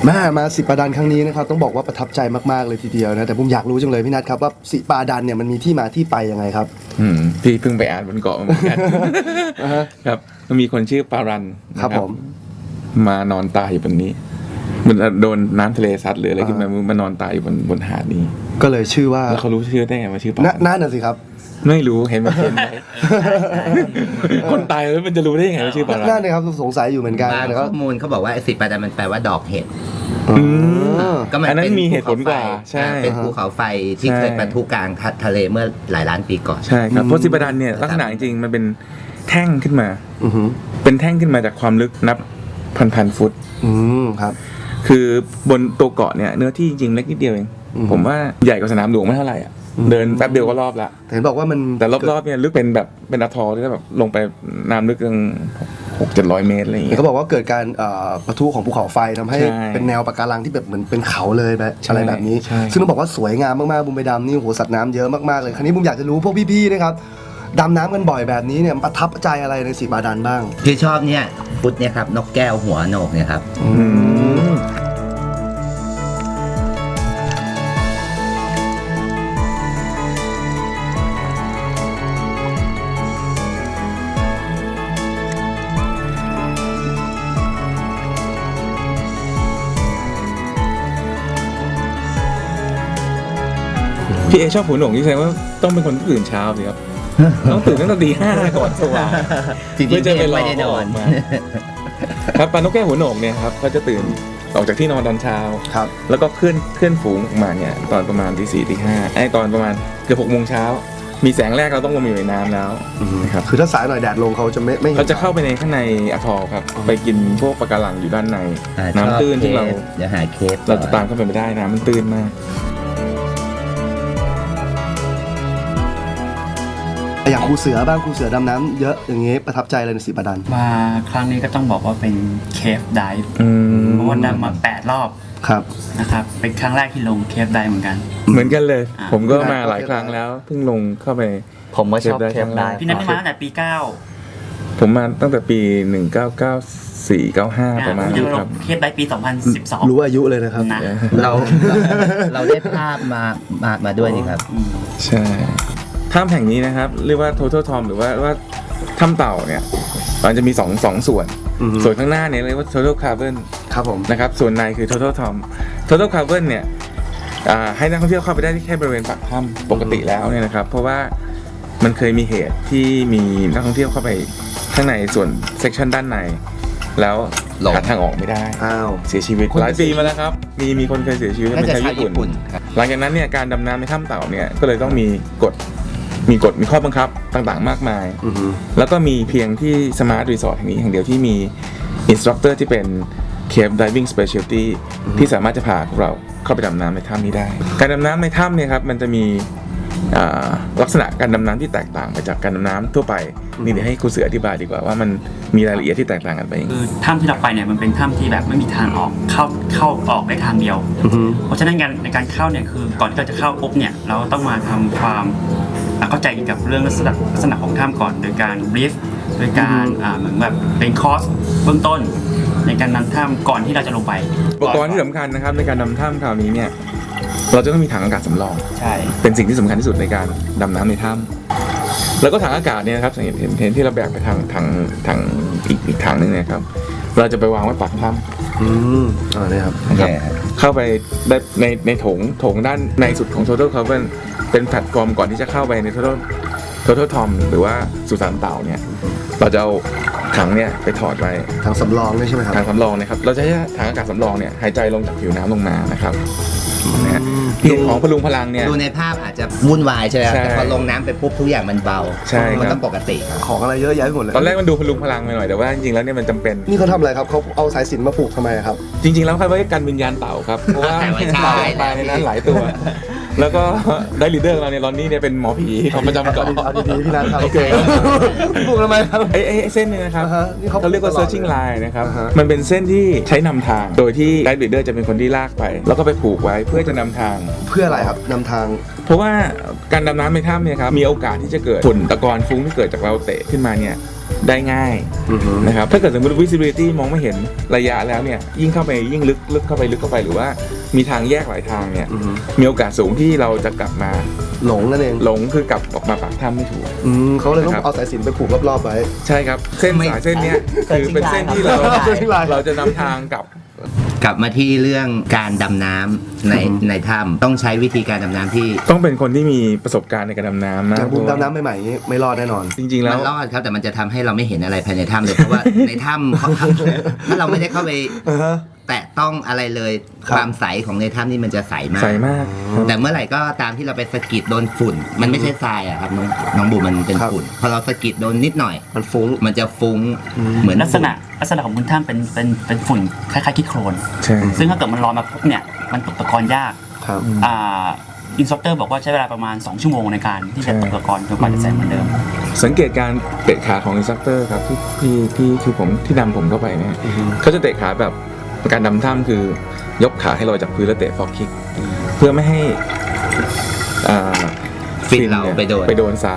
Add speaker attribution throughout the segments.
Speaker 1: แม่มาสิปาดันครั้งนี้นะครับต้องบอกว่าประทับใจมากๆเลยทีเดียวนะแต่ผมอยากรู้จังเลยพี่นัทครับว่าสิปาดันเนี่ยมันมีที่มาที่ไปยังไงครับ
Speaker 2: พี่เพิ่งไปอ่านบนเกาะมาเหมือนกันครับมันมีคนชื่อปารัน
Speaker 1: ครับผม
Speaker 2: มานอนตายอยู่บนนี้มันโดนน้ำทะเลซัดหรืออะไรขึ้นมานอนตายอยู่บนหาดนี้
Speaker 1: ก็เลยชื่อว่า
Speaker 2: แล้วเขารู้ชื่อได้ไงว่าชื่อปารัน
Speaker 1: นั่นน่ะสิครับ
Speaker 2: ไม่รู้เห็นมันเขียนไว้คนตายแล้วมันจะรู้ได้ยังไงว่าชื่อปารัน
Speaker 1: นั่นเลยครับสงสัยอยู่เหมือนกัน
Speaker 3: ข้อมูลเขาบอกว่าสิปาดันมันแปลว่าดอกเห็ด
Speaker 2: ก็มันนั้นมีเหตุผลกว่าใช่
Speaker 3: เป็นภูเขาไฟที่เคยปะทุกลางทะเลเมื่อหลายล้านปีก่อน
Speaker 2: ใช่ครับเพราะสิปาดันเนี่ยลักษณะจริงๆมันเป็นแท่งขึ้นมาเป็นแท่งขึ้นมาจากความลึกนับพันฟุต
Speaker 1: ครับ
Speaker 2: คือบนตัวเกาะเนี่ยเนื้อที่จริงๆเล็กนิดเดียวเองผมว่าใหญ่กว่าสนามหลวงไม่เท่าไหร่อ่ะเดินแป๊บเดียวก็รอบละ
Speaker 1: เห็นบอกว่ามัน
Speaker 2: แต่รอบๆเนี่ยลึกเป็นแบบเป็นอะทอลที่แบบลงไปน้ำลึกตั้ง600-700 เมตรอะไรอย่างเงี้ย
Speaker 1: เขาบอกว่าเกิดการปะทุของภูเขาไฟทำให้เป็นแนวปะการังที่แบบเหมือนเป็นเขาเลยแบบอะไรแบบนี้ซึ่งต้องบอกว่าสวยงามมากๆบุมไปดำนี่โหสัตว์น้ำเยอะมากๆเลยคราวนี้บุมอยากจะรู้พวกพี่ๆนะครับดำน้ำกันบ่อยแบบนี้เนี่ยประทับใจอะไรในสิปาดันบ้าง
Speaker 3: ที่ชอบเนี่ยฟุตเนี่ยครับนกแก้วหัวโหนกเนี่ยครับ
Speaker 2: พี่เอชอบหัวหนงที่แสดงว่าต้องเป็นคนที่ตื่นเช้าสิครับต้องตื่นตั้งแต่ตี5ก่อนสว่างเพื่อจะไปรอเขาออกมาครับปลานกแก้วหัวหนงเนี่ยครับเขาจะตื่นออกจากที่นอนตอนเช้า
Speaker 1: ครับ
Speaker 2: แล้วก็เคลื่อนฝูงออกมาเนี่ยตอนประมาณตี 4 ตี 5ตอนประมาณเกือบ6 โมงเช้ามีแสงแรกเราต้องลงมาอยู่ในน้ำแล้ว
Speaker 1: นะครับคือถ้าสายหน่อยแดดลงเขาจะไม่
Speaker 2: เขาจะเข้าไปในข้างในอะทอลครับไปกินพวกปะการังอยู่ด้านในน้ำตื้นที่เรา
Speaker 3: จะหาเคฟ
Speaker 2: เราจะตามเข้าไปไม่ได้น้ำมันตื้นมาก
Speaker 1: อย่างครูเสือบ้างครูเสือดำน้ำเยอะอย่างเงี้ยประทับใจอะไรในสิปาดัน
Speaker 4: มาครั้งนี้ก็ต้องบอกว่าเป็นเคฟไดฟ์เพราะว่าดำมา8 รอบ
Speaker 1: ครับ
Speaker 4: นะครับเป็นครั้งแรกที่ลงเคฟไดฟ์เหมือนกัน
Speaker 2: เลยผมก็มาหลายครั้งแล้วเพิ่งลงเข้าไป
Speaker 4: ผมก็ชอบเคฟไดฟ์พี่นัทมาตั้งแต่ปี9
Speaker 2: ผมมาตั้งแต่ปี1994-95ประมาณนี้ครับ
Speaker 4: เคฟไดฟ์ปี2012
Speaker 1: รู้อายุเลยนะครับ
Speaker 3: เราได้ภาพมาด้วยนี่ครับ
Speaker 2: ใช่ถ้ำแห่งนี้นะครับเรียกว่า Total Tom หรือว่าถ้ำเต่าเนี่ยมันจะมีสองส่วนข้างหน้าเนี่ยเรียกว่า Total Cavern
Speaker 1: ครับผม
Speaker 2: นะครับส่วนในคือ Total Tom Total Cavern เนี่ยให้นักท่องเที่ยวเข้าไปได้ที่แค่บริเวณปากถ้ำปกติแล้วเนี่ยนะครับเพราะว่ามันเคยมีเหตุที่มีนักท่องเที่ยวเข้าไปข้างในส่วนเซกชันด้านในแล้วหาทางออกไม่ได้เสียชีวิตหลายปีมาแล้วครับมีคนเคยเสียชีวิตเป็นชาวญี่ปุ่นหลังจากนั้นเนี่ยการดำน้ำในถ้ำเต่าเนี่ยก็เลยต้องมีกฎมีข้อบังคับต่างๆมากมายแล้วก็มีเพียงที่สมาร์ทรีสอร์ทแห่งนี้แห่งเดียวที่มีอินสตรัคเตอร์ที่เป็น Cave Diving Specialty ที่สามารถจะพาพวกเราเข้าไปดำน้ำในถ้ำนี้ได้การดำน้ำในถ้ำเนี่ยครับมันจะมีลักษณะการดำน้ำที่แตกต่างไปจากการดำน้ำทั่วไปนี่เดี๋ยวให้ครูเสืออธิบายดีกว่าว่ามันมีรายละเอียดที่แตกต่างกันไป
Speaker 4: คือถ้ำที่เราไปเนี่ยมันเป็นถ้ำที่แบบไม่มีทางออกเข้าออกได้ทางเดียวเพราะฉะนั้นในการเข้าเนี่ยคือก่อนที่เราจะเข้าปุ๊บเนี่ยเราต้องมาทำความเข้าใจเกี่ยวกับเรื่องลักษณะของถ้ำก่อนโดยการบรีฟโดยการเหมือนแบบเป็นคอร์สเบื้องต้นในการนำถ้ำก่อนที่เราจะลงไป
Speaker 2: อุปกรณ์ที่สำคัญนะครับในการนำถ้ำคราวนี้เนี่ยเราจะต้องมีถังอากาศสำรอง
Speaker 4: ใช่
Speaker 2: เป็นสิ่งที่สำคัญที่สุดในการดำน้ำในถ้ำแล้วก็ถังอากาศเนี่ยนะครับเห็นที่เราแบกไปทางอีกถังนึงเนี่ยครับเราจะไปวางไว้ปากถ้ำ
Speaker 1: นี่ครับ
Speaker 2: เข้าไปได้ในโถงด้านในสุดของ Total Cavern เป็นแพลตฟอร์มก่อนที่จะเข้าไปใน Total Tom หรือว่าสุสานเต่าเนี่ยเราจะเอาถังเนี่ยไปถอดไว้
Speaker 1: ถังสำรองใช่ไหมครับ
Speaker 2: ถังสำรองนะครับเราจะให้ถังอากาศสำรองเนี่ยหายใจลงจากผิวน้ำลงมานะครับเพียงของพลุงพลังเนี่ย
Speaker 3: ดูในภาพอาจจะวุ่นวายใช่ไหมแต่พอลงน้ำไปปุ๊บทุกอย่างมันเบา
Speaker 2: ใช่
Speaker 3: มันต้องปกติ
Speaker 1: ของอะไรเยอะแยะไปหมดเลย
Speaker 2: ตอนแรกมันดูพลุงพลังไปหน่อยแต่ว่าจริงๆแล้วเนี่ยมันจำเป็น
Speaker 1: นี่เขาทำอะไรครับเขาเอาสายสิญจน์มาผูกทำไมครับ
Speaker 2: จริงๆแล้วเขาไว้กันวิญญาณเต่าครับเพราะว่าเต่าตายในนั้นหลายตัวแล้วก็ได้ลีดเดอร์เราในลอนนี่เนี่ยเป็นหมอผีของประจำเกาะ
Speaker 1: เอาดีๆพี่นัทครับโอเคผูกทำไมครับ
Speaker 2: ไอ้เส้นนี้นะครับเขาเรียกว่า searching line นะครับมันเป็นเส้นที่ใช้นำทางโดยที่ไกด์ลีดเดอร์จะเป็นคนที่ลากไปแล้วก็ไปผูกไว้เพื่อจะนำทาง
Speaker 1: เพื่ออะไรครับนำทาง
Speaker 2: เพราะว่าการดำน้ำในถ้ำเนี่ยครับมีโอกาสที่จะเกิดฝุ่นตะกอนฟุ้งที่เกิดจากเราเตะขึ้นมาเนี่ยได้ง่าย
Speaker 1: อือฮึ
Speaker 2: นะครับถ้าเกิดสมมติ visibility มองไม่เห็นระยะแล้วเนี่ยยิ่งเข้าไปยิ่งลึกเข้าไปหรือว่ามีทางแยกหลายทางเนี่ย
Speaker 1: อือฮึ
Speaker 2: มีโอกาสสูงที่เราจะกลับมา
Speaker 1: หลงนั่นเอง
Speaker 2: หลงคือกลับออกมาปากถ้ำไม่ถูก
Speaker 1: เขาเลยต้อง
Speaker 2: นะครับ
Speaker 1: เอาสายสิญจนไปผูกรอบๆไว้
Speaker 2: ใช่ครับเส้น
Speaker 3: ไม่
Speaker 2: สายเส้นเนี้ยคือเป็นเส้นที่เรา
Speaker 1: เส้นลาย
Speaker 2: เราจะนำทางกลับ
Speaker 3: กลับมาที่เรื่องการดำน้ำในถ้ำต้องใช้วิธีการดำน้ำที่
Speaker 2: ต้องเป็นคนที่มีประสบการณ์ในการดำน้ำนะ
Speaker 1: อย่างบูมดำน้ำใหม่ๆนี้ไม่รอดแน่นอน
Speaker 2: จริงๆแล้
Speaker 3: มั
Speaker 2: ว
Speaker 3: นรอดครับแต่มันจะทำให้เราไม่เห็นอะไรภายในถ้ำเลยเพราะว่า ในถ้ำถ้าเราไม่ได้เข้าไปแตะต้องอะไรเลย
Speaker 1: ครับ
Speaker 3: ความใสของในถ้ำนี่มันจะใสมาก
Speaker 2: ใสมากครับ
Speaker 3: แต่เมื่อไหร่ก็ตามที่เราไปสะกิดโดนฝุ่น มันไม่ใช่ทรายอะครับน้องบูมมันเป็น
Speaker 1: ครับ
Speaker 3: ฝุ่นพอเราสะกิดโดนนิดหน่อย
Speaker 1: มันฟุ้ง
Speaker 3: มันจะฟุ้งเหมือน
Speaker 4: ลักษณะของบนถ้ำเป็นฝุ่นคล้ายๆขี้โคลน
Speaker 2: ใช่
Speaker 4: ซึ่งถ้าเกิดมันลอยมาปุ๊บเนี่ยมันตกตะกอนยาก
Speaker 1: ครับ
Speaker 4: อินสตรัคเตอร์บอกว่าใช้เวลาประมาณ 2 ชั่วโมงในการที่จะตกตะกอนจนกว่าจะใส่เหมือนเดิม
Speaker 2: สังเกตการเตะขาของอินสตรัคเตอร์ครับที่คือผมที่นำผมเข้าไปเนี่ย
Speaker 1: อือฮึ
Speaker 2: เขาจะเตะขาแบบการดำถ้ำคือยกขาให้ลอยจากพื้นแล้วเตะฟอกคิกเพื่อไม่ให้อ่า
Speaker 3: ฟินเรา
Speaker 2: ย
Speaker 3: ไปโดน
Speaker 2: ทราย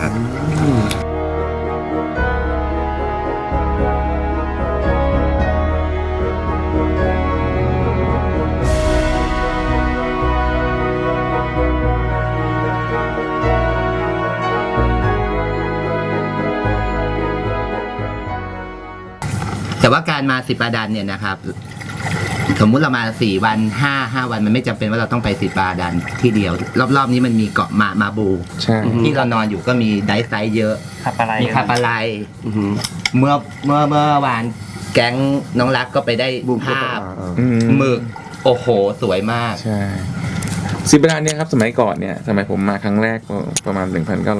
Speaker 3: แต่ว่าการมาสิบาดันเนี่ยนะครับ สมมุติเรามา4 วัน5 วันมันไม่จำเป็นว่าเราต้องไปสิบาดันที่เดียว รอบๆนี้มันมีเกาะมาบู
Speaker 2: ใช่
Speaker 3: ที่เรานอนอยู่ก็มีไดฟ์ไซต์เยอะ
Speaker 4: คาปาไล
Speaker 3: มีคาปาไล
Speaker 1: อือฮึ
Speaker 3: เมื่อวานแก๊งน้องรักก็ไปได้
Speaker 1: บูมพูด
Speaker 3: ภาพ
Speaker 2: อืม
Speaker 3: หมึกโอ้โหสวยมาก
Speaker 2: ใช่สิบประดานเนี่ยครับสมัยก่อนเนี่ยสมัยผมมาครั้งแรกประมาณ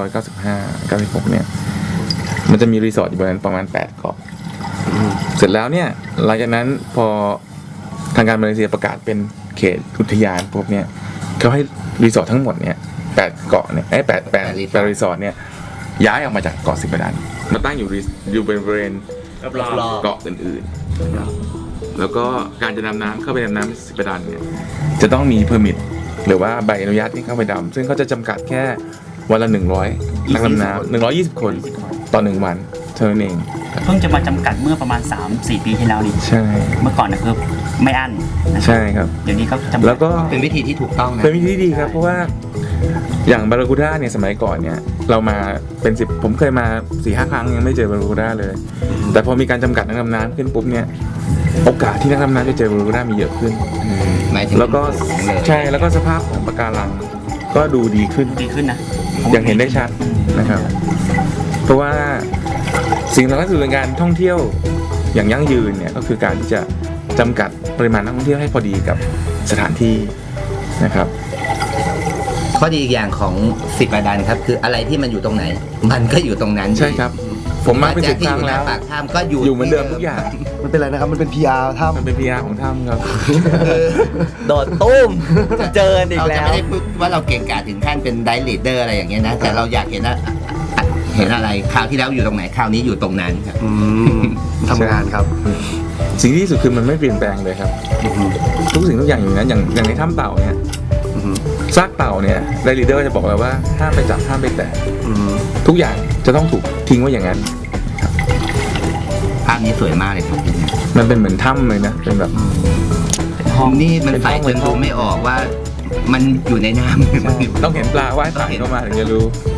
Speaker 2: 1995 96เนี่ยมันจะมีรีสอร์ทอยู่บนนั้นประมาณ8 เกาะเสร็จแล้วเนี่ยหลังจากนั้นพอทางการมาเลเซียประกาศเป็นเขตอุทยานพวกเนี่ยเขาให้รีสอร์ททั้งหมดเนี่ย8 เกาะเนี่ย8 รีสอร์ทเนี่ยย้ายออกมาจากเกาะสิบประดานมาตั้งอยู่บริเวณ
Speaker 4: รอบ
Speaker 2: เกาะอื่นๆแล้วก็การจะดำน้ำเข้าไปดำน้ำสิบประดานเนี่ยจะต้องมีเพอร์มิทหรือว่าใบอนุญาตที่เข้าไปดำซึ่งเขาจะจำกัดแค่วันละ100นักดำน้ำ120 คนต่อ1 วันเท่านั้นเอง
Speaker 4: เพิ่งจะมาจำกัดเมื่อประมาณ 3-4 ปีที่แล้วนี่
Speaker 2: ใช่
Speaker 4: เมื่อก่อนนะคือไม่อั้นนะครับ
Speaker 2: ใช่ครับ
Speaker 4: เดี๋ยวนี้ก็จำกัด
Speaker 2: แล้วก็
Speaker 3: เป็นวิธีที่ถูกต้องนะ
Speaker 2: เป็นวิธีที่ดีครับเพราะว่าอย่างบารากูด้าเนี่ยสมัยก่อนเนี่ยเรามาเป็น10ผมเคยมา 4-5 ครั้งยังไม่เจอบารากูด้าเลย แต่พอมีการจำกัดนักดำน้ำขึ้นปุ๊บเนี่ยโอกาสที่นักดำน้ำจะเจอบารากูด้ามีเยอะขึ้น
Speaker 3: หมายถึง
Speaker 2: แล้วก็
Speaker 3: สูงเลย
Speaker 2: ใช่แล้วก็สภาพของปะการังก็ดูดีขึ้น
Speaker 4: ดีขึ้นนะ
Speaker 2: อย่างเห็นได้ชัดนะครับ เพราะว่าสิ่งสำคัญที่สุดในการท่องเที่ยวอย่างยั่งยืนเนี่ยก็คือการที่จะจำกัดปริมาณนักท่องเที่ยวให้พอดีกับสถานที่นะครับ
Speaker 3: ข้อดีอีกอย่างของสิบาดันครับ คืออะไรที่มันอยู่ตรงไหน มันก็อยู่ตรงนั้น
Speaker 2: ใช่ครับ ผมมาเป็น
Speaker 3: แจ็
Speaker 2: 10
Speaker 3: คที่
Speaker 2: ค
Speaker 3: อ
Speaker 2: รั้ง
Speaker 3: ยู่ห
Speaker 2: แล้
Speaker 3: น้าว ปากถ้ำก็อยู่
Speaker 2: อยู่เหมือนเดิมทุกอย่าง
Speaker 1: มันเป็นอะไรนะครับ มันเป็น PR ถ้ำ
Speaker 2: มันเป็น PR ของถ้ำครับ
Speaker 5: โดดตุ้ม เจออีก
Speaker 3: เรา
Speaker 5: แล้
Speaker 3: จะ
Speaker 5: ว
Speaker 3: ไม่ได้พูดว่าเราเก่งกาจถึงขั้นเป็นไดลีดเดอร์อะไรอย่างเงี้ยนะ แต่เราอยากเห็นอะไรคราวที่แล้วอยู่ตรงไหนคราวนี้อยู่ตรงนั้นครับ
Speaker 1: ทำงานครับ
Speaker 2: สิ่งที่ดีที่สุดคือมันไม่เปลี่ยนแปลงเลยครับ ทุกสิ่งทุกอย่างอยู่นั้นอย่างในถ้ำเต่าเนี่ยซากเต่าเนี่ยไดรีเดอร์จะบอกเลยว่าห้ามไปจับห้ามไปแตะทุกอย่างจะต้องถูกทิ้งไว้อย่างนั้น
Speaker 3: ภาพนี้สวยมากเลยครับ
Speaker 2: มันเป็นเหมือนถ้ำเลยนะเป็นแบบ
Speaker 3: นี่มัน
Speaker 2: เป็น
Speaker 3: ใส
Speaker 2: ห้อง
Speaker 3: จนดูไม่ออกว่ามันอยู่ในน้ำ
Speaker 2: ต้องเห็นปลาว่ายผ่านเข้ามาถึงจะรู้